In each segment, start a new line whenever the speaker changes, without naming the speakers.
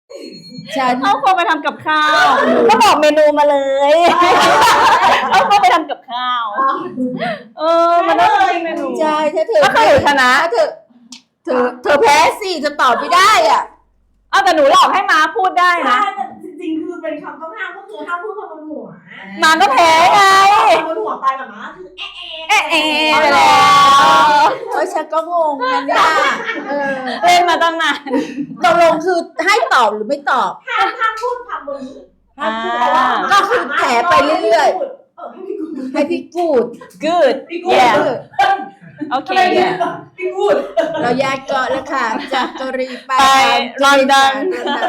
ฉัน
เอาเข้าไปทำกับข้าวก็บอกเมนูมาเลยเอาเข้าไปทำกับข้าวมันต้องเป็นเมนู
ใช่ถ้าเธอ
ก็คือชนะ
เธอแพ้สิจะตอบไม่ได้อ่ะ
แต่หนูหลอกให้ม้าพูดได้นะ
จริงๆคือเป็นคำต้องห้ามก็คือห้ามพูดคำบนหัว
ม้าก็แพ้ไง
คำบนหัวไปแบบม้าคือ
ไปแล้ว
ฉันก็งงนะเนี่ย
เล่นมาตั้งนาน
ตกลงคือให้ตอบหรือไม่ตอบ
ห้ามพูดคำบน
ก็คือแถไปเรื่อยๆให้พี่กูด
good yeah โอเค
พี่กูด
เราแยกเกาะแล้วค่ะจากเกาหลีไป
ลอนดอน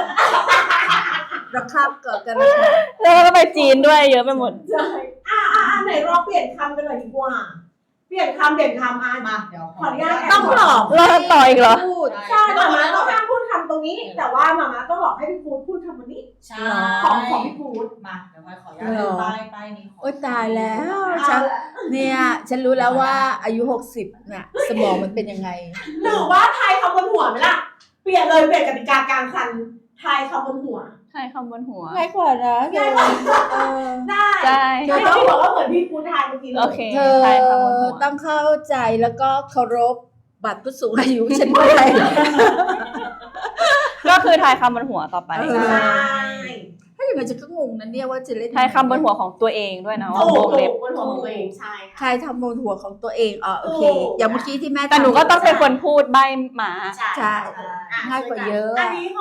เราข้ามเกาะกัน
แล้วก็ไปจีนด้วยเยอะไปหมด
ใช่ไหนเราเปลี่ยนคำกันหน่อยดีกว่าเปลี่ยนคำเด่นคำมาเดี๋ยวขออนุญาต
ต้องหลอก
เราต่ออีกเหรอ
ใช่มาม่าต้องห้ามพูดคำตรงนี้แต่ว่ามาม่าต้องหลอกให้พี่พูดพูดคำนี้ใช่ของพี่พูด
มาเดี๋ยวขออนุญาตป้ายนี้
โอ๊ยตายแล้วฉันรู้แล้วว่าอายุ60เนี่ยสมองมันเป็นยังไง
หรือว่าทายคำบนหัวไหมล่ะเปลี่ยนกติกากลางคันทายคำบนหัว
ทายคำบนหัว
ง่ายกว่านะ
ง่ายกว่าได้เธอต้องบอกว่าเหมือนพี่พูดทายเมื่อกี้
โอเค
เธอต้องเข้าใจแล้วก็เคารพบัตรผู้สูงอายุฉันด้วย
ก็คือทายคำบนหัวต่อไป
ใช่
ถ้าอย่างไรจะก็งงนะเนี่ยว่าจะเล่น
ทายคำบนหัวของตัวเองด้วยนะว่า
วงเล็บบนหัวของตัวเองใช่
ใครทำบนหัวของตัวเองโอเคอย่างเมื่อกี้ที่แม่
แต่หนูก็ต้องเป็นคนพูดใบหมา
ใช่ง่ายกว่าเยอะ
อันนี้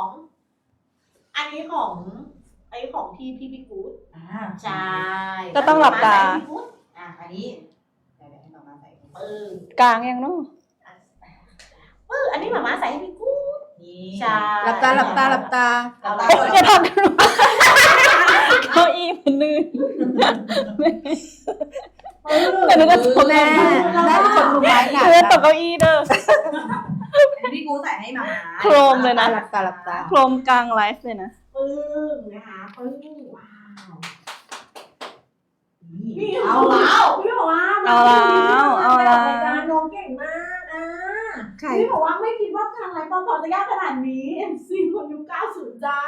ของพี่กู๊ดใช่
ก็ต้องหลับตา
อันนี้เดี๋ยวให้มาใส่
กลางยังนู้
อันนี้หมาใส่ให้พี่กู๊ด
ใช่หลับตา
จะทำกันเก้าอี้มันลื่นแต่หนูก็ตก
แม่เป็นคนมือไม้หนัก
ตกเก้าอี้เด้อ
พี่กูใส่ให้มา
โครมเลยนะ
หลับตา
โครมกลางไลฟ์เลยนะ
นะคะว้าวนี่เอาแล้วพี่บอกว่าน้องเก่งมากพี่บอกว่าไม่คิดว่าทางไลฟ์พอจะยากขนาดนี้ MC คนยุค90จ้า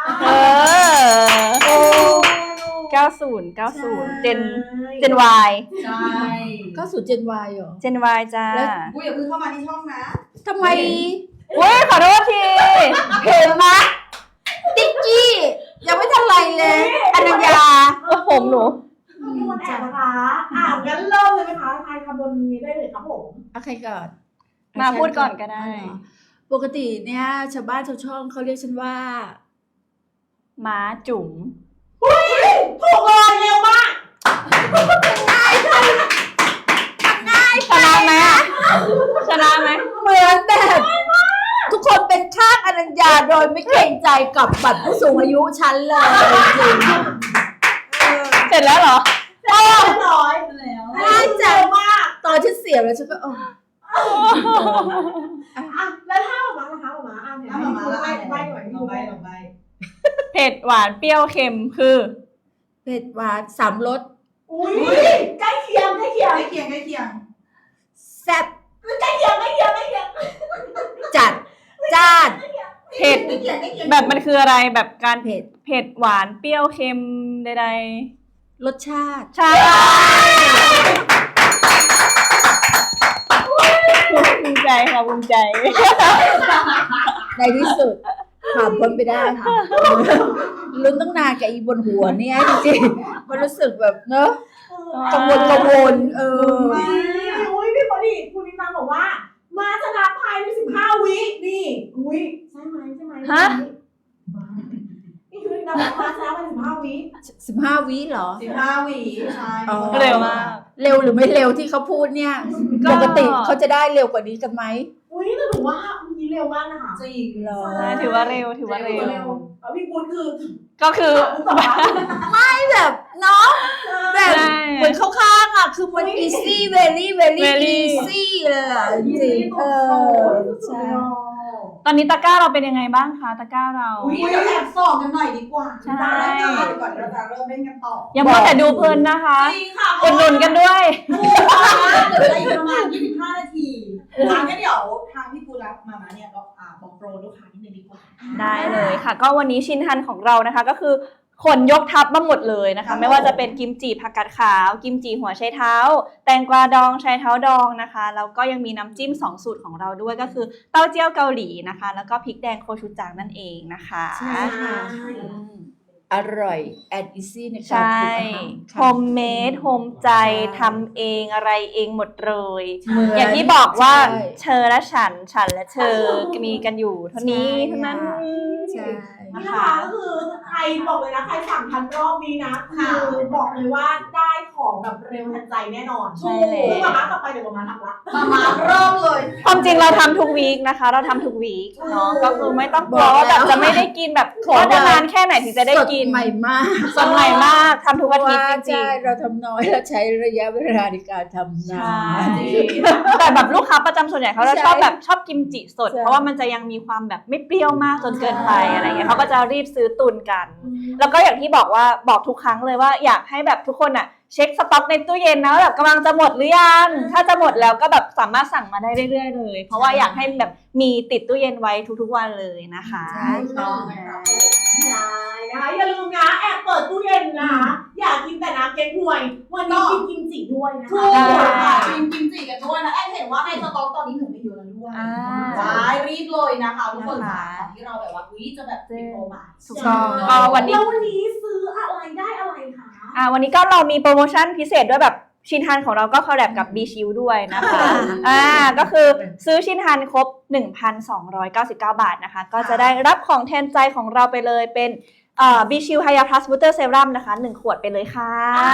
90เจน Y
ใช่
90เจน Y เหรอ
เจน Y จ้า
กูอย่าเพิ่งเข้ามาที่ช่องนะ
ทำไม
ขอโทษที
เห็นไหมติ๊กกี้ยังไม่ทันไรเลยอนัญญา
ผมหนู
มีคนแอบนะคะงั้นเริ่มเลยไหมคะทายคำบนนี้ได้เลยครับผม
ใครก่อน
มาพูดก่อนก็ได้
ปกติเนี่ยชาวบ้านชาวช่องเขาเรียกฉันว่า
ม้าจุ๋ม
ถูกเลยเร็วมาก
ง่าย
ชนะไหม
เหมือนแบบทุกคนเป็นข้างอนัญญาโดยไม่เกรงใจกับบัตรผู้สูงอายุฉันเลยจริง
เสร็จแล้วเหรอ
เรียบร้อยแล้ว
ง่ายจังมากตอนฉันเสียบแล้วฉันก็
แล้วถ้าหมานะคะหมาเนี่ยใบหน่อยลงใบ
เผ็ดหวานเปรี้ยวเค็มคือ
เผ็ดหวาน3 รส
อุ้ยใกล้เคียง
แซ่บ
ใกล้เคียง
จัดจ้าน
เผ็ดแบบมันคืออะไรแบบการเผ็ดหวานเปรี้ยวเค็มใด
ๆรสชาติ
ใช่ภูมิใจค่ะภูมิใจ
ในที่สุดผ่านพ้นไปได้ค่ะลุ้นตั้งนานกับอีบนหัวเนี่ยจริงๆมันรู้สึกแบบเนอะกังวล
พี่พอดีคุณนิมาบอกว่ามาชนะภายใน15 วินี่ใช่ไหม
ฮะ
นี่คือเรามาชนะภายใน15 วิ
15 วิเหรอ
15 วิใช่
เร็วมาก
เร็วหรือไม่เร็วที่เขาพูดเนี่ยปกติเขาจะได้เร็วกว่านี้กันไหม
แต่หนูว่ามีเร็วมากนะคะ
จริงเหรอ
ถือว่าเร็ว
พี่กุล
ก็คือ
ไม่แบบเนาะแบบเหมือนข้างๆคือมัน easy very easy เลยจริง
ใช่
ตอนนี้ตะกร้าเราเป็นยังไงบ้างคะตะกร้าเรา
แอบส่องกันหน่อยดีกว่า
ใช่
ก่อนเราจะเริ่มเล่นกันต่อ
อย่ามัวแต่ดูเพลินนะคะอุดหนุนกันด้วย
เหลืออีกประมาณ25 นาทีงั้นเดี๋ยวทางพี่กูรับมาเนี่ยก็บอกโปรลูกค้านิดนึงดีกว่า
ได้เลยค่ะ ก็วันนี้ชินฮันของเรานะคะก็คือขนยกทัพมาหมดเลยนะคะไม่ว่าจะเป็นกิมจิผักกาดขาวกิมจิหัวไชเท้าแตงกวาดองไชเท้าดองนะคะแล้วก็ยังมีน้ำจิ้ม2สูตรของเราด้วยก็คือเต้าเจี้ยวเกาหลีนะคะแล้วก็พริกแดงโคชูจังนั่นเองนะคะ
ใช่ค่ะ อร่อยแอนด์อีซี่ในการ
ใช่
ปรุงอาหาร
โฮมเมดโฮมใจทำเองอะไรเองหมดเลย
เหมือน
อย่างที่บอกว่า
ใช่
เธอและฉันและเธอมีกันอยู่เท่านี้
ใช่
เท่านั้น
ใช่
นี่นะคะก็คือใครบอกเลยนะใครสั่งทันรอบนี้นะคือบอกเลยว่าได้ของแบบเร็วทันใจแน่นอน
ใช่เลย
คือมาม่ากลับไปเดี๋ยวมาม่าทำละ
มาเริ่มเลย
ความจริงเราทำทุกวีคนะคะ เราทำทุกวีคเนาะก็คือไม่ต้องกลัวว่าแบบจะไม่ได้กินแบบว่าจะนานแค่ไหนถึงจะได้กิน
สใหม่มาก
สดใหม่มากทำทุกอาทิตย์
ว่า
จริ
ใช่
ง
เราทำน้อยแล้วใช้ระยะเวลาในการทำ
ๆ
นา
ใช่
น
แต่แบบลูกค้าประจำส่วนใหญ่เขาจะ
ใช่
ชอบแบบชอบกิมจิสด
ใช่
เพราะว่ามันจะยังมีความแบบไม่เปรี้ยวมากจนเกินไปอะไรเงี้ยเขาก็จะรีบซื้อตุนกัน แล้วก็อย่างที่บอกว่าบอกทุกครั้งเลยว่าอยากให้แบบทุกคนอ่ะเช็คสต็อกในตู้เย็นนะว่าแบบกำลังจะหมดหรือยังถ้าจะหมดแล้วก็แบบสามารถสั่งมาได้เรื่อยๆเลย เพราะว่าอยากให้แบบมีติดตู้เย็นไว้ทุกๆวันเลยนะคะ
ใช่
ต้องนะครับผม
ใช่นะคะอย่าลืมนะแอบเปิดตู้เย็นนะอยากกินแต่น้ำเก๊กฮวยวันนี้กินกิมจิด้วยนะ
ถู
คะ
กค่ะกิมจิกันด้วยนะแอนเห็นว่าในสต็อกตอนนี้หนูไม่เยอะแล้วด้วย
อ่า
ใช่รีบเลยนะคะทุกคนค่ะก่อนที่เราแบบว่าจะแบบติดโปรมา
ถูกต้องก็วันนี้
แล้ววันนี้ซื้ออะไรได้อะไรคะ
วันนี้ก็เรามีโปรโมชั่นพิเศษด้วยแบบชินฮันของเราก็คอลแลบกับ B Shield ด้วยนะคะก็คือซื้อชินฮันครบ 1,299 บาทนะคะก็จะได้รับของแทนใจของเราไปเลยเป็นB Shield Hya Plus Booster Serum นะคะ1 ขวดไปเลยค่ะ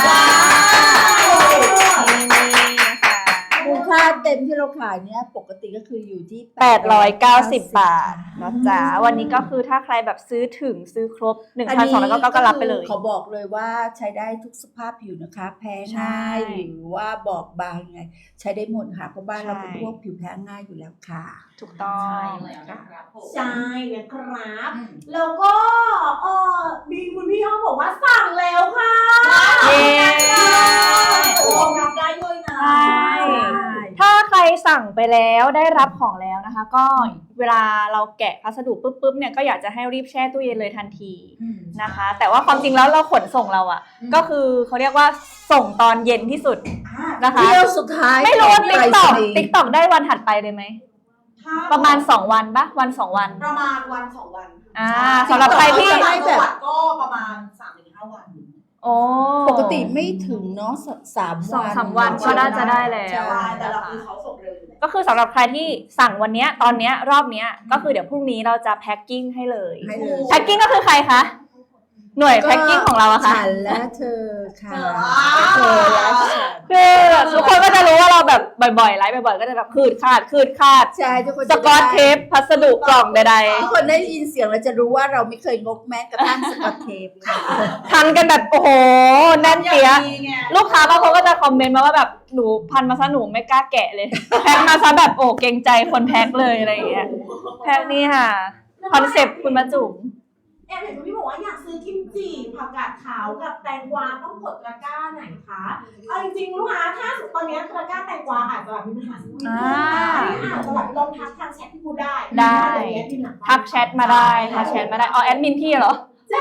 นี่นะคะ
มูลค่าเต็มที่เราขายเนี่ยปกติก็คืออยู่ที่
890 บาทนะจ๊ะวันนี้ก็คือถ้าใครแบบซื้อถึงซื้อครบ 1,299 ก็รับไปเลย
ขอบอกเลยว่าใช้ได้ทุกสภาพผิวนะคะ แพ้
ใช่
ง่ายหรือว่าบอบบางไง ใช้ได้หมดค่ะเพราะบ้านเรา
ใช่
เป็นพวกผิวแพ้ง่ายอยู่แล้วค่ะ
ถูกต้อง
ครับผม
ใช่นะครับแล้วก็มีคุณพี่อ้อมบอกว่าสั่งแล้วค่ะ
เย้
รองรับได้ด้วยนะ
ใช่ ถ้าใครสั่งไปแล้วได้รับของแล้วนะคะ ก็เวลาเราแกะพัสดุปุ๊บเนี่ยก็อยากจะให้รีบแช่ตู้เย็นเลยทันทีนะคะ แต่ว่าความจริงแล้วเราขนส่งเราอ่ะ ก็คือเขาเรียกว่าส่งตอนเย็นที่สุดนะคะ
เที่ยวสุดท้าย
ไม่รู้ว่า
ของ
TikTok ได้วันถัดไปเลยไหมประมาณ2 วันปะวัน2 วัน
ประมาณวัน2 วัน
สำหรับใครที่
ต่างจังหวัดก็ประมาณ 3-5 วัน
โอ้
ปกติไม่ถึงเนาะ3 วัน
2-3 วันก็น่าจะได้แล้ว
ใช่
แต่เราคือเขาส่งเร็วอยู่แล้ว
ก็คือสำหรับใครที่สั่งวันเนี้ยตอนเนี้ยรอบเนี้ยก็คือเดี๋ยวพรุ่งนี้เราจะแพ็คกิ้งให้เลย
ให้เลย
แพ็คกิ้งก็คือใครคะหน่วยแพ็คกิ้งของเราอะค่ะ
ฉันและเธอค่ะ
เธอ
เธอและฉัน
คือทุกคนก็จะรู้ว่าเราแบบบ่อยๆไลฟ์บ่อยๆก็จะแบบคืดคาด
ใช่ทุกคน
สกอตเทปพัสดุกล่องใด
ทุกคนได้ยินเสียงเราจะรู้ว่าเราไม่เคยงกแม้กระทั่งสกอตเทปค่ะ
ๆทันกันแบบโอ้โหแน่นเปี้ยะลูกค้าบางคนก็จะคอมเมนต์มาว่าแบบหนูพันมาซะหนูไม่กล้าแกะเลยแพ็คมาซะแบบโอ้เกรงใจคนแพ็คเลยอะไรอย่างเงี้ยแพ็คนี่ค่ะคอนเซ็ปต์คุณมาจุ๋ม
แอบเห็นคุณพี่บอกว่าอยากซื้อกิมจิผักกาดขาวกับแตงกวาต้องกดตะกร้าไหนคะเอาจริงๆลูกค้าถ้าตอนนี้ตะกร้าแตงกวาอาจจะมีปัญหาสักนิดนึงอาจจะแบบลองทักทางแชทที่พูดได้
ทักแชทมาได้ทักแชทมาได้แอดมินพี่เหรอ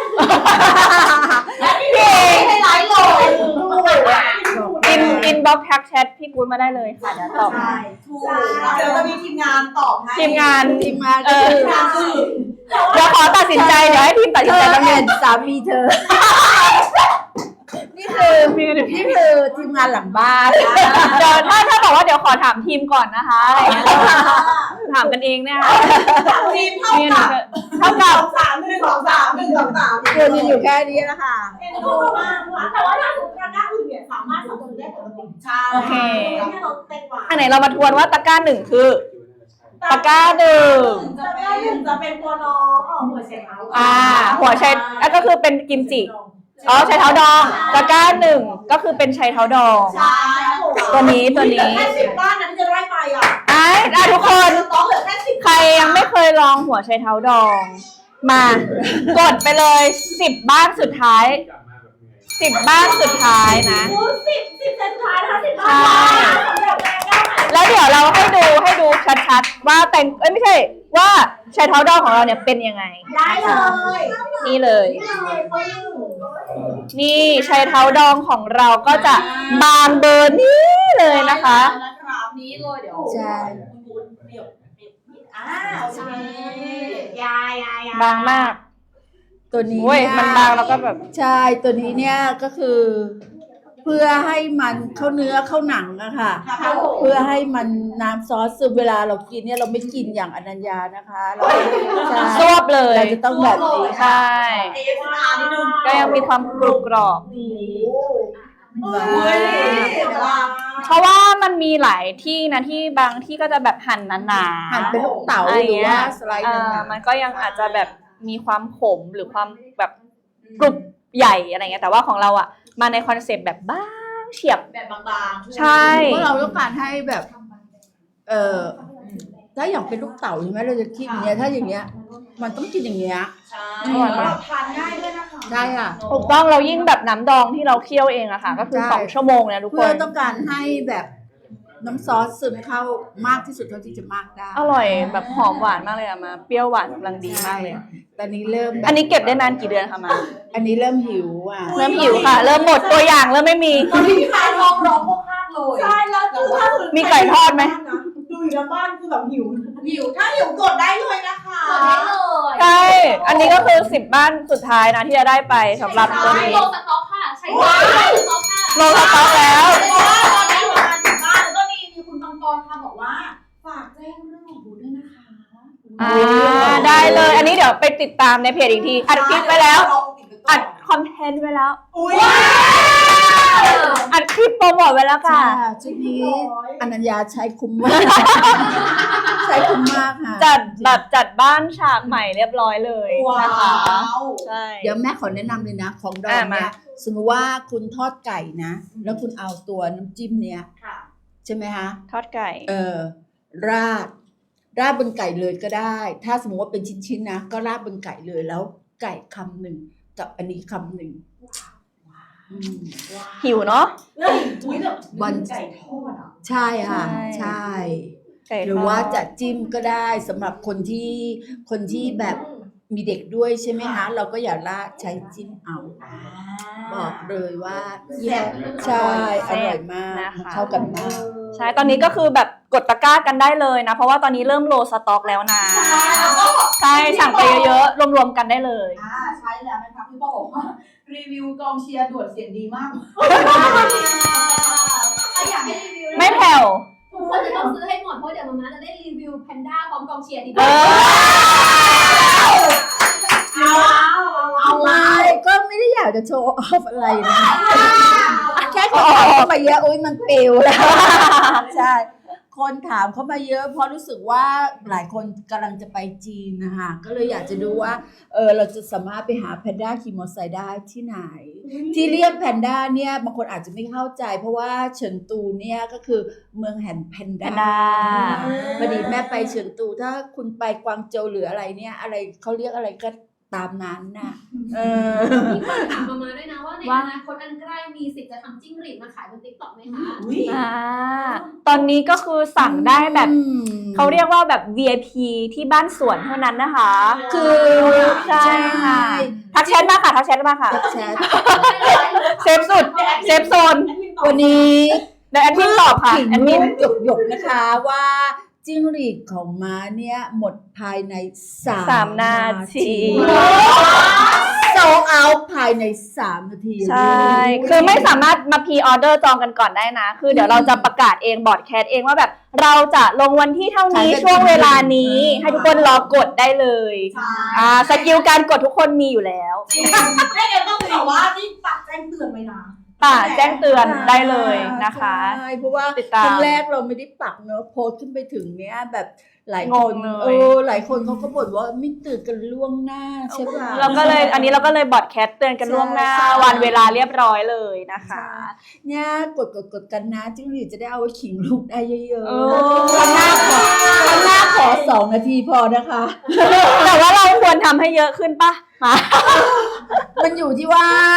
พี่ให้ไลฟ์เลย
อินบ็อกทักแชทพี่กู๊ดมาได้เลยค่ะเดี๋ยวตอบ
ใช่
ถูกเดี๋ยวจะมีทีมงานตอบให้
ทีมงาน
ทีมงานก็คือ
ทีมงานคือ
เดี๋ยวขอตัดสินใจเดี๋ยวให้ทีมตัด
เธ
สิน
อ
ใจแป๊บนึ
เห็
ง
นสามีเธอ นี่คือทีมงานหลังบ้าน
เดี๋ยวถ้าบอกว่าเดี๋ยวขอถามทีมก่อนนะคะอะไรอย่างเงี้ยถามกันเองเนี่ยค่ะ
ทีมเท่ากับ
เดือนยังอยู่แค่นี้แล้วค่ะ
เป็นรูปมากแต่ว่าถ้าสมมติตะกร้าอื่นเนี่ยสามารถสั่งซื้อได้ปกติ
ใช่
โอเค
แค่เราแตงกวา
อันไหนเรามาทวนว่าตะกร้าหนึ่งคือตะกร้าหนึ่ง
ตะกร้าหนึ่งจะเป็นตัวน้องหัวไชเท้า
หัวไชแล้วก็คือเป็นกิมจิใช้เท้าดองตะกร้าหนึ่งก็คือเป็นใช้เท้าดอง
ใช่
ตัวนี้
แค่10 บ้านนั้นจะได้ไปอ่ะ
ทุกคน
ต้องเหลือแค่10
ใครยังไม่เคยลองหัวไชเท้าดอง มากดไปเลย10 บ้านสุดท้าย10 บ้านสุดท้ายนะ
10เซนท้ายถ้า10บ้าน
ใช่
สำหรับแตงกวา
แล้วเดี๋ยวเราให้ดูชัดๆว่าไม่ใช่ว่าชายเท้าดองของเราเนี่ยเป็นยังไง
ได้เลย
นี่เลย
ได้เลยปึ้ง
นี่ชายเท้าดองของเราก็จะบางเบอร์นี้เลยนะคะ
นะครับนี้เลยเดี๋ยว
ใช่
คุณบูนเปรียบโอเค
ยายา
บางมาก
ตัวนี้
โอ้ย
เนี่ย
มันบางแล้วก็แบบ
ใช่ตัวนี้เนี่ยก็คือ เพื่อให้มันเข้าเนื้อเข้าหนังอะค่ะ
ครับผม
เพื่อให้มันน้ำซอสซึมเวลาเรากินเนี่ยเราไม่กินอย่างอนัญญานะคะเราใช่
ซวบเลย
เราจะต้องแบบนี้
ใช่
เอฟอาร์นิดนึง
ก็ยังมีความกรุบกรอบ
เฮ้ย
เพราะว่ามันมีหลายที่นะที่บางที่ก็จะแบบหั่นหนาๆ
หั่นเป็นลูกเต๋า
ะไร
หรือ
เงี้
ว่าย สไลด์หนึ่ง
มันก็ยังอาจจะแบบมีความขมหรือความแบบกรุบใหญ่อะไรเงี้ยแต่ว่าของเราอ่ะมาในคอนเซปต์แบบบ้างเฉียบ
แบบบางๆ
ใช่
เพราะเราต้องการให้แบบ ถ้าอย่างเป็นลูกเต๋าใช่ไหมเราจะคิดอย่างเงี้ยถ้าอย่างเงี้ย มันต้องกินอย่างเงี้ย
ใช่
อร่อยมาก
ทานง่ายด้วยนะคะ
ใช่ค่ะ
ถูกต้องเรายิ่งแบบน้ำดองที่เราเคี่ยวเองอะค่ะ ก็คือ
ใช่
2 ชั่วโมงนะทุกค
เพื่อน ต้องการให้แบบน้ำซอสซึมเข้ามากที่สุดเท่าที่จะมากได้
อร่อยแบบหอมหวานมากเลยอะมาเปรี้ยวหวานกำลังดีมากเลย
ตอนนี้เริ่มแบบ
อันนี้เก็บได้นานกี่เดือนคะมา
อันนี้เริ่มหิวอ่ะ
เริ่มหิวค่ะ เริ่มหมดตัวอย่างเริ่มไม่มี
ตอนนี้ทานร้องพวกภาคเลย
ใช่แล้วคือถ้า
มีไก่ทอดไหม
ดูอยู่ในบ้านคือแบบหิว
หิว
ถ้าหิวกดได้เลยนะคะ
กดได้เลย
ใช่ อันนี้ก็คือ10 บ้านสุดท้ายนะที่จะได้ไปสำหรับตัว
ใช้
นี้
โลสต็อกค่ะ ใช้โลสต็อกค่ะ
โลสต็อกแล้ว
เพราะว่าตอนนี้ประมาณ10 บ้านแล้วก็มีคุณปังปอนค่ะบอกว่าฝากแจ้งเรื่องของบูธด้วยนะคะ
ได้เลย อันนี้เดี๋ยวไปติดตามในเพจอีกที อัดคลิปไปแล้ว อัดคอนเทนต์ไว้แล้ว
อุ้ย
อัดคลิปโปรโมทไว้แล้วค่ะ
ค่ะชุดนี้อนัญญาใช้คุ้มมาก ใช้คุ้มมากค่ะ
จัดบ้านฉากใหม่เรียบร้อยเลยนะคะ ใช่
เดี๋ยวแม่ขอแนะนำเลยนะ ของดอง
มา
เนี่ยสมมติว่าคุณทอดไก่นะ แล้วคุณเอาตัวน้ำจิ้มเนี้ย
ค่ะ
ใช่ไหมคะ
ทอดไก่
ราดบนไก่เลยก็ได้ ถ้าสมมติว่าเป็นชิ้นๆนะก็ราดบนไก่เลยแล้วไก่คำหนึ่งกับอันนี้คำหนึ่งอืม
หิวเนาะ
อุ้ยแบบ
วัน
ไก่ทอดอ่ะ
ใช่ค่ะ
ใช่
ใช่
ไก่ทอด
หรือว่าจะจิ้มก็ได้สำหรับคนที่แบบมีเด็กด้วยใช่ไหมคะเราก็อย่าราดใช้จิ้มเอาบอกเลยว่าใช่อร่อยมากเข้ากันมาก
ใช่ ตอนนี้ก็คือแบบกดตะกร้ากันได้เลยนะ เพราะว่าตอนนี้เริ่มโลสต็อกแล้วนะ ใช่ สั่งไปเยอะๆ รวมๆกันได้เลย
ใช้แล้วนะคะพี่บอกว่ารีวิวกองเชียร์ด่วนเสียงดีมากใครอยากให้รีวิว
ไม่แผ่ว
ทุกคนจะต้องซื้อให้หมดเพราะเดี๋ยวมาม่าจะได้รีวิวแพนด้าพร้อมกองเชียร์ที่
เอ
บ้าน
เอาไว้ก็ไม่ได้อยากจะโชว์ออฟอะไรนะแค่คนถามเข้ามาเยอะอุ้ยมันปิวแล้วใช่คนถามเข้ามาเยอะเพราะรู้สึกว่าหลายคนกำลังจะไปจีนนะคะก็เลยอยากจะดูว่าเราจะสามารถไปหาแพนด้าขี่มอเตอร์ไซค์ได้ที่ไหน ที่เรียกแพนด้าเนี่ยบางคนอาจจะไม่เข้าใจ เพราะว่าเฉินตูเนี่ยก็คือเมืองแห่งแพนด้า
แพนด้า
พอดีแม่ไปเฉินตูถ้าคุณไปกวางโจวหรืออะไรเนี่ยอะไรเขาเรียกอะไรก็ตามนั้นน่ะ
มีคนถามมาม่าด้วยนะว่าในอนาคตอันใกล้มีสิทธิ์จะทำจิ้งหรีดมาขายบน TikTok ไหมคะ
ตอนนี้ก็คือสั่งได้แบบ
อืม
เขาเรียกว่าแบบ VIP ที่บ้านสวนเท่านั้นนะคะ
คือ
ใช่ค่ะ ทักแชทมาค่ะ ทักแชทมาค่ะ
แชท
เซฟสุด เซฟโซน
วันนี้
เดี๋ยวแอดมินตอบค่ะ
ขิง
แอดมิน
หยกๆนะคะว่าจิ้งหรีดของม้าเนี่ยหมดภายใน
3 นาที
โซเอาภายใน3 นาที
ใช่ คือไม่สามารถมาพรีออเดอร์จองกันก่อนได้นะ คือเดี๋ยวเราจะประกาศเองบอร์ดแคสเองว่าแบบเราจะลงวันที่เท่านี้ช่วงเวลานี้ ให้ทุกคนรอกดได้เลย สกิลการกดทุกคนมีอยู่แล้ว
จริงไม่งั้นต้องบอกว่านี่ปักแจ้งเตือนไว้นะ
แจ้งเตือนได้เลยนะคะ
ใช่เพราะว่า
ติดตาม
ครั้งแรกเราไม่ได้ปักเนอะโพสต์ขึ้นไปถึงเนี้ยแบบหลายคน
งงเลย
หลายคนเขาก็บ่นว่าไม่ตื่นกันล่วงหน้าใช่ป่ะ
เราก็เลยอันนี้เราก็เลยบอร์ดแคสเตือนกันล่วงหน้า
ใช่
วันเวลาเรียบร้อยเลยนะคะ
เนี่ยกดกันนะจิ้งหรีดจะได้เอาไว้ขิงลูกได้เยอะ
เออ
ๆข้างหน้าขอ2 นาทีพอนะคะ
แต่ว่าเราควรทำให้เยอะขึ้นปะ
มันอยู่ที่ว่า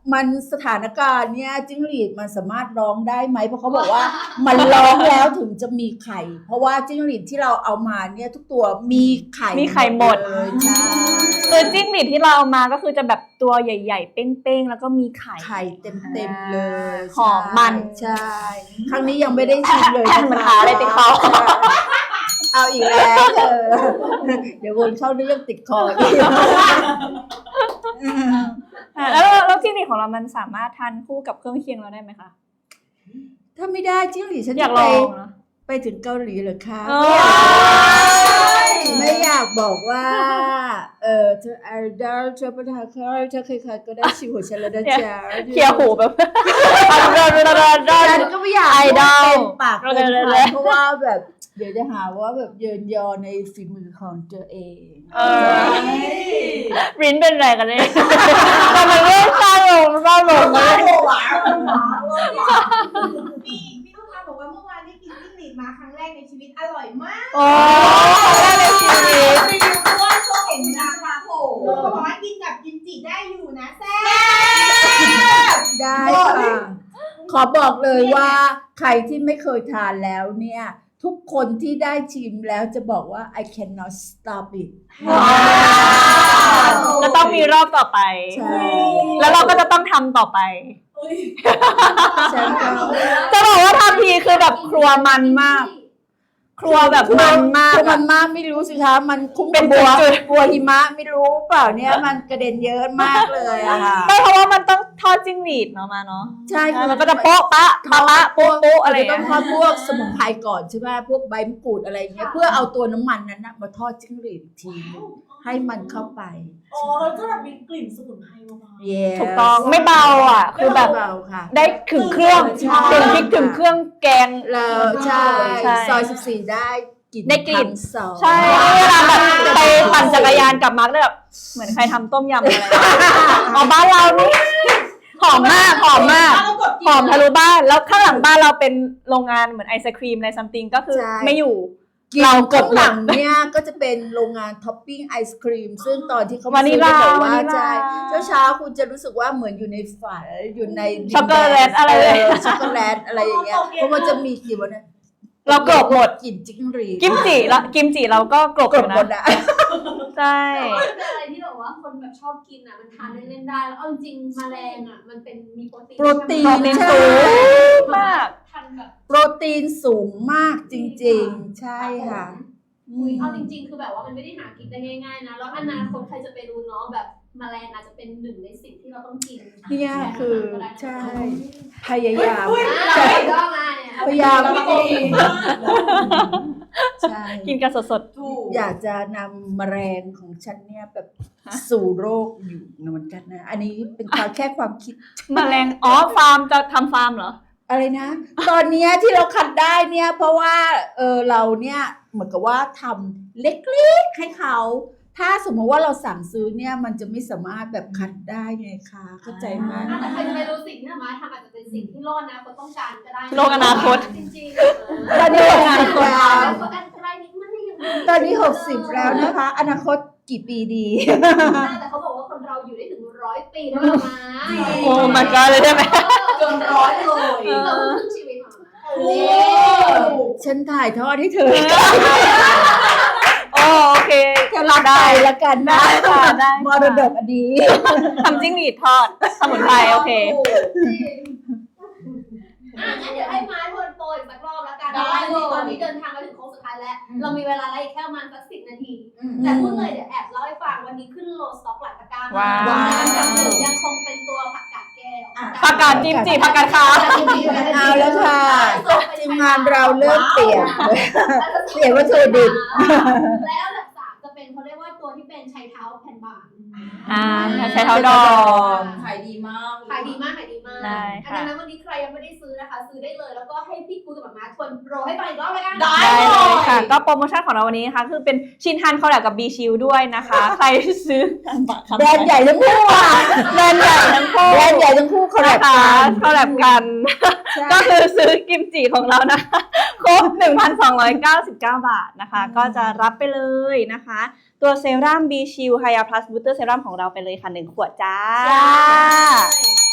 มันสถานการณ์เนี่ยจิ้งหรีดมันสามารถร้องได้ไหมเพราะเขาบอกว่า มันร้องแล้วถึงจะมีไข่ เพราะว่าจิ้งหรีดที่เราเอามาเนี่ยทุกตัวมีไข่
มีไข่หมด
เลยใช่
คือจิ้งหรีดที่เราเอามาก็คือจะแบบตัวใหญ่ๆ เป้งๆ แล้วก็มีไข่
ไข่เต็มๆเลย
หอมมัน
ใช่ครั้งนี้ยังไม่ได้ชิมเลย
มันหาอะไรติดคอ
เอาอีกแล้วเดี๋ยววนเข้าเรื่องติดคออีก
แล้วจิ้งหรีดของเรามันสามารถทานคู่กับเครื่องเคียงเราได้ไหมคะ
ถ้าไม่ได้จิ้งหรีดฉัน
อยา
จะ
กลองนะ
ไปถึงเกาหลีเหรอคะ
โอ้
ไม่อยากบอกว่าเธอไอดอลเธอประธานเธอใครๆก็ได้ชิวหัวฉันแล้วนะจ๊ะ
เคี้ยวหูแบบ
ฉันก็ไม่อยาก
ไอดอล
เต็มปากเต็ม
เลย
คำเพราะว่าแบบเดี๋ยวจะหาว่าแบบเยินยอในฝีมือของตัวเอง
รินเป็นอะไรกันเนี่ยทำไมไม่เศร้าลงเลย
พี่ลูกค้าบอกว่าเมื่อวานได้กินจิ้งหรีดมาครั้งแรกในชีวิตอร่อยมาก
โอ้ครั้งแรกในชีวิต
รีวิวเพราะว่าช่วงเห็นนะคะโอ้โหเขาบอกว่ากินกับกิมจิได้อยู่นะแซ่บ
ได้ค่ะขอบอกเลยว่าใครที่ไม่เคยทานแล้วเนี่ยทุกคนที่ได้ชิมแล้วจะบอกว่า I cannot stop it
จะต้องมีรอบต่อไป
ใช่
แล้วเราก็จะต้องทำต่อไป
ฉันก็
จะบอกว่าทำทีคือแบบครัวมันมาก ครัวแบบมันมาก
คือมันมากไม่รู้สิคะมันคุ้ม
เป็
เป็น น
จุด
บัวหิมะไม่รู้เปล่าเนี่ยมันกระเด็นเยอะมากเลยอะค่ะ
ไม่เพราะว่ามันต้องทอดจิ้งหรีดเนาะมาเนาะ
ใช่คือ
มันก็จะโป๊ะปะปะปะโป๊ะโป๊ะอะไร
ต้
เงี้
อง
ย
ทอดพวกสมุนไพรก่อนใช่ไหมพวกใบมะกรูดอะไรอย่างเงี้ยเพื่อเอาตัวน้ำมันนั้นนะมาทอดจิ้งหรีดอีกทีนึงให้มันเข้าไป
อ๋อแล้วจะแบบมีกลิ่นสมุนไพรมา
Yes
ถูกต้องไม่เบาอ่ะ คือแบบ
เบาค่ะ
ได้ถึงเครื่อง
ใช่
ถึงพริกถึงเครื่องแกง
แล้วใช่
ใช่
ซอย14ได้กลิ่น
ได้กลิ่น
ทั้งซอย
ใช่เวลาแบบไปปั่นจักรยานกลับมาก็แบบเหมือนใครทำต้มยำอะไรอ๋อบ้านเรานี่หอมมากหอมมากหอมทะลุบ้านแล้วข้างหลังบ้านเราเป็นโรงงานเหมือนไอศครีมอะไรซัมติงก็คือไม่อยู่
เราข้างหลังเนี่ยก็จะเป็นโรงงานท็อปปิ้งไอศครีมซึ่งตอนที่เขา
วานิลลา
บอกว่า
วานิลลา
ใช่เช้าๆคุณจะรู้สึกว่าเหมือนอยู่ในฝันอยู่ใน
ช็อกโกแลตอะไรเลย
ช็อกโกแลตอะไรอย่างเงี้ยเพราะมันจะมีกลิ่นวันนั้น
เรากรบหมด
กลิ่นจิ้งหรีด
กิมจิเราก็กรบ
ก
อ
รบ
ยู่
หมด
นะ
อะ
ใช่
แต่ว่ามันเป็นอะไรที่แบบว่าคนแบบชอบกินอ่ะมันทานเล่นๆได้แล้วเอาจริงๆแมลงอ่ะมันเป็นมีโปรตีน
โปรตี
โปร
น
ตีน
ใช่
สูงมาก
ทานแบบ
โปรตีนสูงมากจริงๆ ใช่ค่ะอืม
เอาจริงๆคือแบบว่ามันไม่ได้หากินได้ง่ายๆนะแล้วอนาคตใครจะไปรู้เนาะแบบแมลงอาจจะเป็นหนึ่งในสิ่งที่เราต้องกิน
เนี่ยคือใช่พยายาม
ก็มาเนี่ย
พยายาม ใช่
กินกันสด
อยากจะนำแมลงของฉันเนี่ยแบบสู่โลกอยู่เหมือนกันนะ อันนี้เป็นความแค่ความคิด
ๆแมลงอ๋อฟาร์มจะทำฟาร์มเหรอ
อะไรนะ ตอนเนี้ยที่เราคัดได้เนี่ยเพราะว่าเราเนี่ยเหมือนกับว่าทำเล็กๆให้เขา ถ้าสมมติว่าเราสั่งซื้อเนี่ยมันจะไม่สามารถแบบคัดได้ไงคะเข้าใจไหม
แต่ใครจะไปรู้สิ่งที่มาทำอาจจะเป็นสิ่งที่โลกอนาคตต้องการก็ได้
โลกอนาคต
จริง
ตอนนี้60แล้ว
ก็อันตรายนิดมันยัง
ตอนนี้60แล้วนะคะ อนาคตกี่ปีดี
แต่เขาบอกว่าคนเราอยู่ได้ถึง100 ปีได้ประมาณ
โอ้ my god เลยได้ไหม
จนร้อยเลย
เราครึ่งชีวิตของ
โอ้
ฉันถ่ายทอดให้เธอ
โอเค
จะรับไปละกันนะ
ได้ค่ะได้
มรดกอดีต
ทำจิ้งหรีดทอดสมุนไพรโอเค
งั้นเดี๋ยวให้มาทวนโปรอีกสักรอบแล้วกันตอนนี้เดินทางมาถึงโค้งสุดท้ายแล้ว เรามีเวลาอะไรแค่ประมาณสัก10 นาที แต่พูดเลยเดี๋ยวแอบเล่าให้ฟังวันนี้ขึ้นโลสต็อกหลายตะกร้า
ว้าว
ยังคงเป็นตัวผักกาดแก้ว
ผักกาดจิ้มจีผักกาดขาว
เอาแล้วค่ะทีมงานเราเริ่มเปลี่ยน เปลี่ยนวัตถุดิบ
แล้วอันดับ 3จะเป็นเขาเรียกว่าตัวที่เป็นชัยเท้าแผ่นบาง
ใช้เท้าดอง
ขายดีมาก
ขายดีมากขายดีมาก
ได้ค่ะ
ดังนั้นวันนี้ใครยังไม่ได้ซื้อนะคะ ซื้อได้เลยแล้วก็ให้พี่กูกับหมาทวนโปรให้ฟังอีกรอบเลยกัน
ได้
ได้เลยค่ะ ก็โปรโมชั่นของเราวันนี้นะคะคือเป็นชินฮันคอลแลบกับ B Shield ด้วยนะคะ ใครซื้อ
แบรนด์ใหญ่ทั้งคู่อ่ะ
แบรนด์ใหญ่ทั้งคู่
แบรนด์ใหญ่ทั้งคู่คอลแลบ
นะคะ
กัน
คอลแลบกัน
ใช่
ก็คือซื้อกิมจิของเรานะครบ 1,299 บาทนะคะ ก็จะรับไปเลยนะคะ ตัวเซรั่ม B Shield Hya Plus Booster Serum ของเราไปเลยค่ะ 1 ขวดจ้า
ใ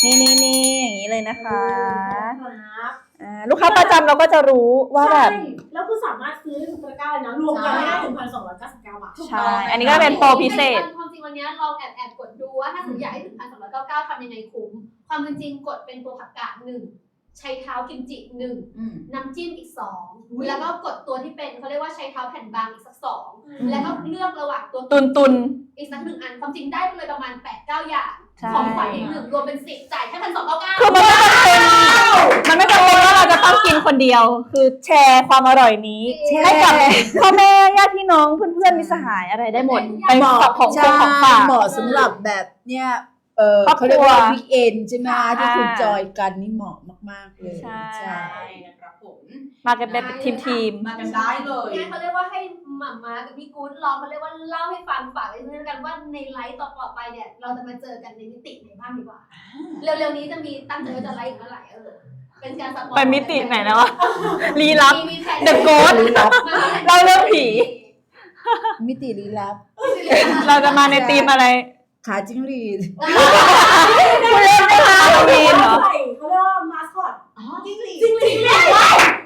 นี่อย่างนี้เลยนะคะ
ครับ
ลูกค้าประจำเราก็จะรู้ว่าแบบ
ใช่แล้วคือสามารถซื้อได้ทุกตะกร้าเลยนะรวมกันได้ 1,299 บาท
ใช่ อันนี้ก็เป็นโปรพิเศษ
ความจริงวันนี้ลองแอบกดดูว่าถ้าสมมติอยากให้ถึง 1,299 ทำยังไงคุ้มความเป็นจริงกดเป็นตัวผักกาด1ใช้เท้ากิมจิ1น้ำจิ้มอีก2แล้วก็กดตัวที่เป็นเขาเรียกว่าใช้เท้าแผ่นบางอีกสัก2แล้วก็เลือกระหว่างตัว
ตุน
อีกสัก1 อันความจริงได้เลยประมาณ 8-9 อย่าง
ใช่
ของขวัญอีก1รวมเป็น10จ่ายแค่ 1,299
คือมันไม่จำเป็นว่าเราจะต้องกินคนเดียว คือแชร์ความอร่อยนี้ ให้กับพ่อแม่ญาติพี่น้องเพื่อนๆมิตรสหายอะไรได้หมดไปกับของ
ใช่
ของฝาก
เหมาะสำหรับแบบเนี่ย
ครอบครัว
เขาเรียกว่าวิกเอนใช่ไหมที่คุณจอยกันนี่เหมาะมากๆเลย
ใช่
ใช่
นะครับผม
มากันเป็นทีม
มากันได้เลย
เนี่ยเขาเรียกว่าให้หม่าม้ากับพี่กู๊ดลองเขาเรียกว่าเล่าให้ฟังฝากไว้ด้วยกันว่าในไลฟ์ต่อไปเนี่ยเราจะมาเจอกันในมิติไหนบ้างดีกว่า เร็วๆนี้จะมีตั้งใจว่าจะไลฟ์อีกเมื่อไหร่เป็นการสปอย
ไปมิติไหนนะวะลี้ลับ
มีแผน
The Ghost เล่าเรื่องผี
มิติลี้ลับ
เราจะมาในทีมอะไร
ขาจิ้งหรีด
คุณเล่นไหมคะฮาโลวีนเหรอ
ใส่เขาเรียกว่ามาสคอต
จิ้งหรีด
จริงหรือไม่
หรือ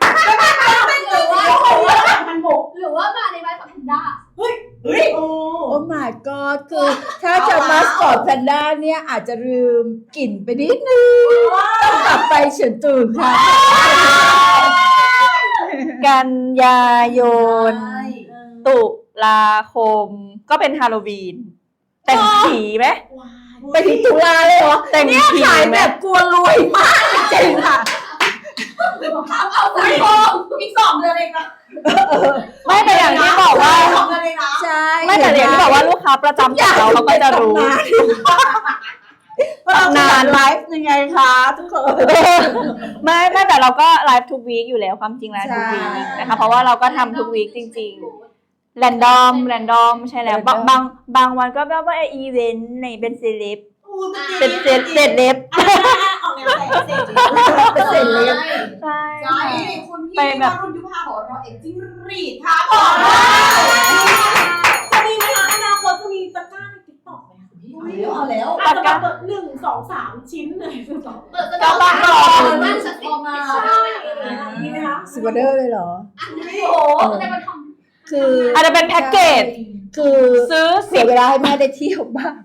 ว่า
พันบก
หรือว่ามาในไลฟ์กับแพนด้า
เฮ้ยโอ้
โอ้ my god คือถ้าจะมาสคอตแพนด้าเนี่ยอาจจะลืมกลิ่นไปนิดนึงต้องกลับไปเฉินตื่นค่ะ
กันยายน ตุลาคม ก็เป็นฮาโลวีน แต่งผีไหม
ไปถึงตุลาเลยเหรอ
แต่งผี
ขาย
ไหม
แบบกลัวรวยมากจริงๆค่ะ
เอาไปโกง
อีก2 เดือนเองนะ
ไม่แต่อย่างที่บอกว่า
2 เดือนเองนะ
ใช่
ไม่แต่อย่างที่บอกว่าลูกค้าประจำของเราเขาก็จะรู้
นานไลฟ์ยังไงคะทุกคน
ไม่แต่เราก็ไลฟ์ทุกวีคอยู่แล้วความจริงแล้วทุกวีค
ใช่
นะคะเพราะว่าเราก็ทำทุกวีคจริงๆแรนดอมใช่แล้วบางวันก็แบบว่าอีเวนต์ในเป็นเซเลบเป็นเซเลบ
ออกแนวแต่งเสร็จ
เป็นเสร็จเลย
ใช่
ใช่คุณพี่
ไปแบบ
วรุณยุพาบอกเราเอ็กจิ้งหรีดค่ะผม
จะมีไหมคะอนาคตจะมีตะกร้าในติ๊กต็อกไหมคะพี่
เอาแล้ว
อาจจะแบบ1 2 3 ชิ้นเลย
เปิดจะต้องรอนั่นสติมา
มีไหมคะ
สิบเดอร์เลยเหรอ
โอ้โหได้มาท
คือ
อาจจะเป็นแพ็กเกจ
คือ
ซื้อ
เสียเวลาให้แม่ได้เที่ยวบ้าง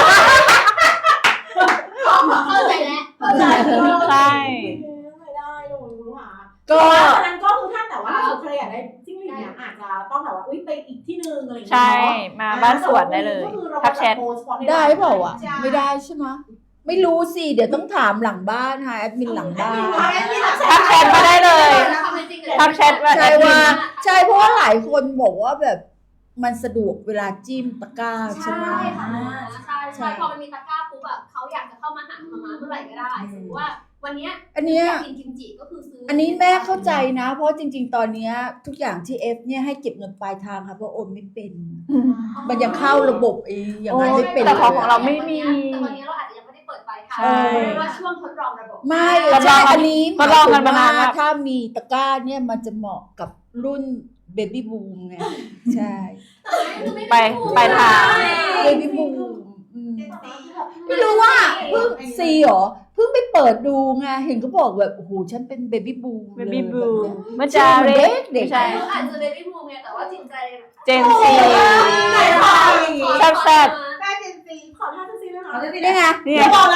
ำเข้าใจแล้วเข้าใจ
ใช่
ไม่ได้ลงรู้หา
ก็
ฉะนั้นก็คือถ้าแต่ว่าถ้าใครอยากได้จิ้งหรีดเนี่ยอาจจะต้องแบบว่าไปอีกที่นึงอะไรอย่างเงี้ย
ใช่มาบ้านสวนได้เลยทักแชท
ได้เปล่าอ่ะ ไม่ได้ใช่ไหมไม่รู้สิ เดี๋ยวต้องถามหลังบ้านค่ะแอดมินหลังบ้าน
ทักแชทมาได้เลย ทักแชทว่า
ใช่ว่าใช่เพราะว่าหลายคนบอกว่าแบบมันสะดวกเวลาจิ้มตะกร้าใช่ไหม
ใช่ค่ะใช่พอมันมีตะกร้าปุ๊บแบบเขาอยากจะเข้ามาหามาเมื่อไหร่ก็ได้สมมติว่าวันนี้
อันเนี้ย
อยากกินกิมจิก็คือซื้อ
อั
อั
นนี้แม่เข้าใจนะ เพราะจริง ๆ ตอนเนี้ยทุกอย่างที่เอฟเนี่ยให้เก็บเงินปลายทางค่ะเพราะโอนไม่เป็น มันยังเข้าระบบอย่างนั้นไม่เป็น
แต่
เล
ของ
ย
เรา
อะ
ไม่มี
แต่วันนี้เราอาจจะยังไม่ได้เปิดปลายทาง
ใช่
เพราะว่าช่วงทดลองระบบ
ไม่
ทดล
ใช่
อง
อันนี้
ทดลองกันมานานมาก
ถ้ามีตะกร้าเนี่ยมันจะเหมาะกับรุ่นเบบี้บูมไงใช่
ไปทาง
เบบี้บูมไม่รู้ว่าเพิ่งซีเหรอเพิ่งไปเปิดดูไงเห็นเขาบอกแบบโอ้โหฉันเป็นเบบี้บูม
เบบี้บู
เลย
เมื่อจาเร
เด็ก
ใช่
อาจจะเบบี้บูมไงแต่ว่าจิตใจ
เจนซี แซ่บ
ได้เจนซี
ขอท่าจะซีด้วยนะ
ๆนี่ไง
นี่
ไม่บอกละ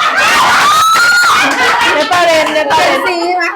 เนปาเรน
เป็นซีใช่ไหม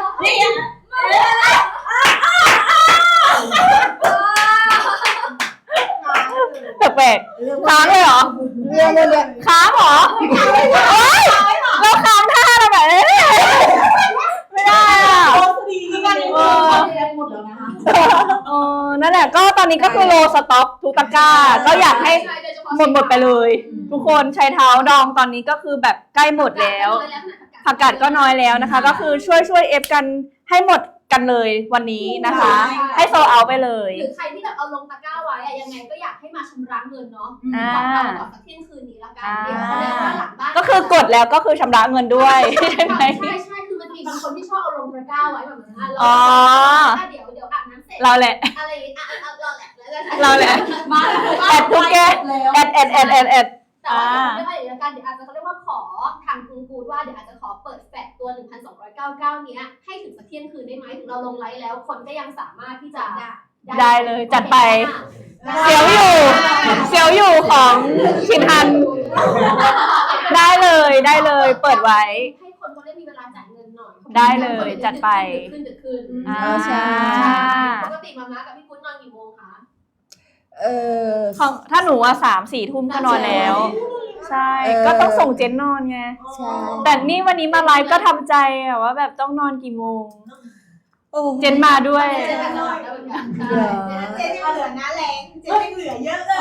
แปลกๆค้างเลยเหรอ
เรื่องมันเนี่ย
ค้างเหรอเฮ้ยเราค้างท่าเราแบบนี้ไม่ได้อ่ะ
โอ้ดีกันเลย
หมดแล้วนะคะ
นั่นแหละก็ตอนนี้ก็คือโลสต็อกทุกตะกร้าก็อยากให้หมดไปเลย ทุกคนใช้เท้าดองตอนนี้ก็คือแบบใกล้หมดแล้วผักกาดก็น้อยแล้วนะคะ ก็คือช่วยเอฟกันให้หมดกันเลยวันนี้นะคะ ให้โซเอาไปเลย
หรือใครที่แบบเอาลงตะกร้าไว้อะยังไงก็อยากให้มาชำระเงินเนาะ
อ่า
ก่อนสักเที่ยงคืนนี้ละกันเดี๋ยวเขาเรียกว่าหลังบ้าน
ก็คือกดแล้วก็คือชำระเงินด้วยใช่ไหม
ใช่คือมันมีบางคนที่ชอบเอาลงตะกร้าไว้แบบนั้น
อ๋อ
เดี๋ยวอาบน้ำเสร็จ
เราแหละ
อะไรอย่างงี้เราแหละ
เราแหละ
มา
แอดทุกแกแอด
แต่ว่าเดี๋ยวไม่ได้เดี๋ยวกันเดี๋ยวอาจจะเขาเรียกว่าขอทางกรุงน้องกูดว่าเดี๋ยวอาจจะขอเปิดแฟลชตัว 1,299 เนี้ยให้ถึงสักเที่ยงคืนได้ไหมถึงเราลงไลฟ์แล้วคนก็ยังสามารถที่จะ
ได้เลยจัดไป เสียวอยู่ของชินฮัน ได้เลยเปิดไว้
ให้คนเขาได้มีเวลาจ่ายเงินหน่อย
ได้เลยจัดไป
ดึก
ใช่
ปกติมาม่ากับพี่กุ้นนอนกี่โมงคะ
ของถ้าหนูว่า3-4 ทุ่มก็นอนแล้ว ใช่ ก็ต้องส่งเจนนอนไง
ใช่
แต่นี่วันนี้มาไลฟ์ก็ทำใจอะว่าแบบต้องนอนกี่โมง
โอ้
เจนมาด้วย
เจนนอนแล้วเหมือนกัน
เจนยังเหลือนะแรงเจนยังเหลือเยอะเลย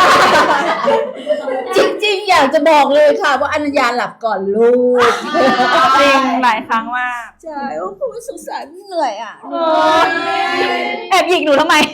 จริงๆ อยากจะบอกเลยค่ะ ว่าอนัญญาหลับก่อนลูก
จริงหลายครั้งมาก
ใช่โอ้โหสงสารเหนื่อยอ่ะ
แอบหยิกหนูทำไม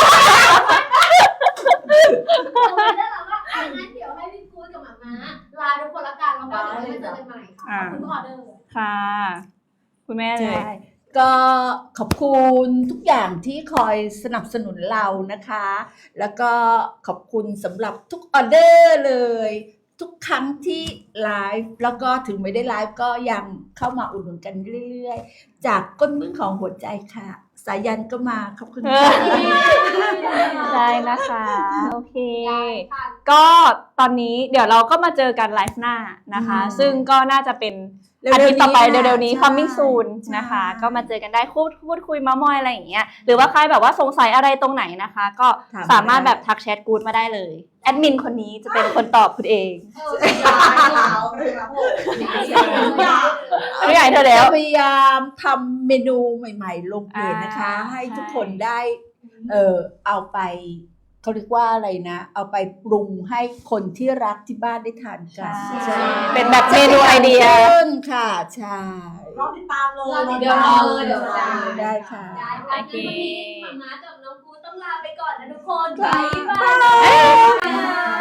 ได้แล้วว่างั้นเดี๋ยวให้พี่กุ้นกับมาม่าลาทุกคนละกันแล้วก็เดี๋ยวมาเจอกันใหม่ค่ะขอบคุณออเดอร์
ค่ะ คุณแม่เลย
ใช่ก็ขอบคุณทุกอย่างที่คอยสนับสนุนเรานะคะ แล้วก็ขอบคุณสำหรับทุกออเดอร์เลย ทุกครั้งที่ไลฟ์แล้วก็ถึงไม่ได้ไลฟ์ก็ยังเข้ามาอุดหนุนกันเรื่อยๆ จากก้นบึ้งของหัวใจค่ะ สายันก็มาขอบคุณค่ะ
ได้นะคะ โอเค ก็ตอนนี้เดี๋ยวเราก็มาเจอกันไลฟ์หน้านะคะ ซึ่งก็น่าจะเป็นอาทิตย์ต่อไปเร็วๆนี้ coming soon นะคะ ก็มาเจอกันได้พูดคุยเม้ามอยอะไรอย่างเงี้ยหรือว่าใครแบบว่าสงสัยอะไรตรงไหนนะคะ ก็สามารถแบบทักแชทกูดมาได้เลยแอดมินคนนี้จะเป็นคนตอบคุณเองไม่ใหญ่เธอแล้ว
พยายามทำเมนูใหม่ๆ ลงเพจนะคะ ให้ทุกคนได้เอาไปเขาเรียกว่าอะไรนะ เอาไปปรุงให้คนที่รักที่บ้านได้ทานกัน
ใช่เป็นแบบเมนูไอเดีย
ค่ะ ใช่
รอติดตามเลย
เดี๋ยวรอเลยเดี๋ยวรอ
ได้ค่ะ
ได้ค่ะงั้นวันนี้มาม่ากับน้องกูต้องลาไปก่อนนะทุกคนบ๊ายบาย